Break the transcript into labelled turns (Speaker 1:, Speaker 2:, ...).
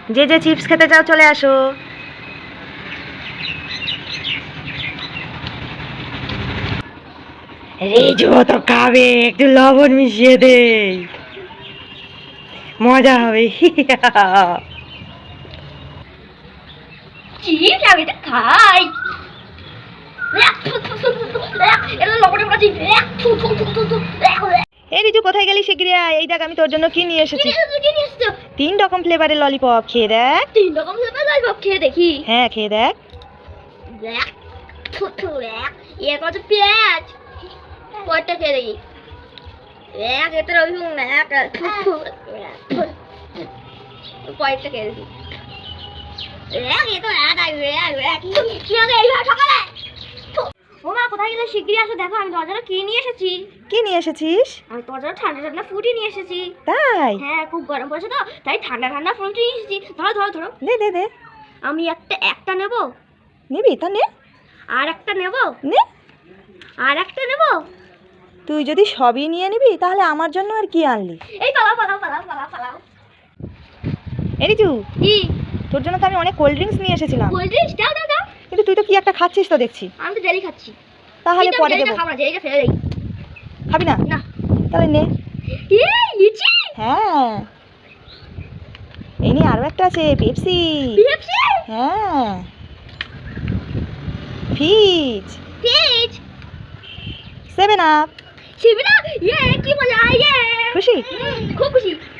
Speaker 1: যে যে চিপস খেতে চাও চলে আসো। রেজু তো খাবে, একটু লবণ মিশিয়ে দে, মজা হবে।
Speaker 2: চিপস আমি এটা খাই। এটা লবণে ভাজি।
Speaker 1: এই রিজু কোথায় গেলি? শিগগিরি আয়, এই দেখ আমি তোর জন্য কি নিয়ে এসেছি।
Speaker 2: কি নিয়ে এসেছো?
Speaker 1: 3 রকম ফ্লেভারের ললিপপ, খেয়ে দেখ।
Speaker 2: 3 রকম ফ্লেভার ললিপপ খেয়ে দেখি।
Speaker 1: হ্যাঁ খেয়ে দেখ।
Speaker 2: এর কত পেঁয়াজ, কয়টা খেয়ে দেখি। এতে রসুন কয়েকটা খেয়ে দেখি। ও মা, কোথায় গেলে? শিগগিরই আসো, দেখো আমি তোমার জন্য কি নিয়ে এসেছি।
Speaker 1: কি নিয়ে এসেছিস?
Speaker 2: আমি তোমার জন্য ঠান্ডা ঠান্ডা ফ্রুটি নিয়ে এসেছি।
Speaker 1: তাই?
Speaker 2: হ্যাঁ, খুব গরম পড়েছে তো, তাই ঠান্ডা ঠান্ডা ফ্রুটি নিয়ে এসেছি। ধরো ধরো ধরো।
Speaker 1: দে দে দে।
Speaker 2: আমি একটা নেব,
Speaker 1: নিবি তা নে।
Speaker 2: আর একটা নেব,
Speaker 1: নে।
Speaker 2: আর একটা নেব।
Speaker 1: তুই যদি সবই নিয়ে নিবি তাহলে আমার জন্য আর কি আনলি?
Speaker 2: এই পালাও পালাও পালাও পালাও পালাও।
Speaker 1: এই রিজু,
Speaker 2: কি?
Speaker 1: তোর জন্য তো আমি অনেক কোল্ড ড্রিঙ্কস নিয়ে এসেছিলাম,
Speaker 2: কোল্ড ড্রিঙ্কস? দাও দাও দাও।
Speaker 1: কিন্তু তুই তো কি একটা খাচ্ছিস তো দেখছি।
Speaker 2: আমি তো জেলি খাচ্ছি।
Speaker 1: তাহলে
Speaker 2: কিন্তু আমি
Speaker 1: পরে
Speaker 2: জেলিটা
Speaker 1: দেবো।
Speaker 2: খাবো না, জেলিটা ফেলে দেই।
Speaker 1: খাবি না?
Speaker 2: না।
Speaker 1: তাহলে নে।
Speaker 2: লিচি।
Speaker 1: হ্যাঁ, এই নিয়ে আরো একটা আছে, পেপসি।
Speaker 2: পেপসি?
Speaker 1: হ্যাঁ, ফিজ,
Speaker 2: ফিজ,
Speaker 1: 7 আপ।
Speaker 2: শিবিরা। কি মজা!
Speaker 1: খুশি?
Speaker 2: খুব খুশি।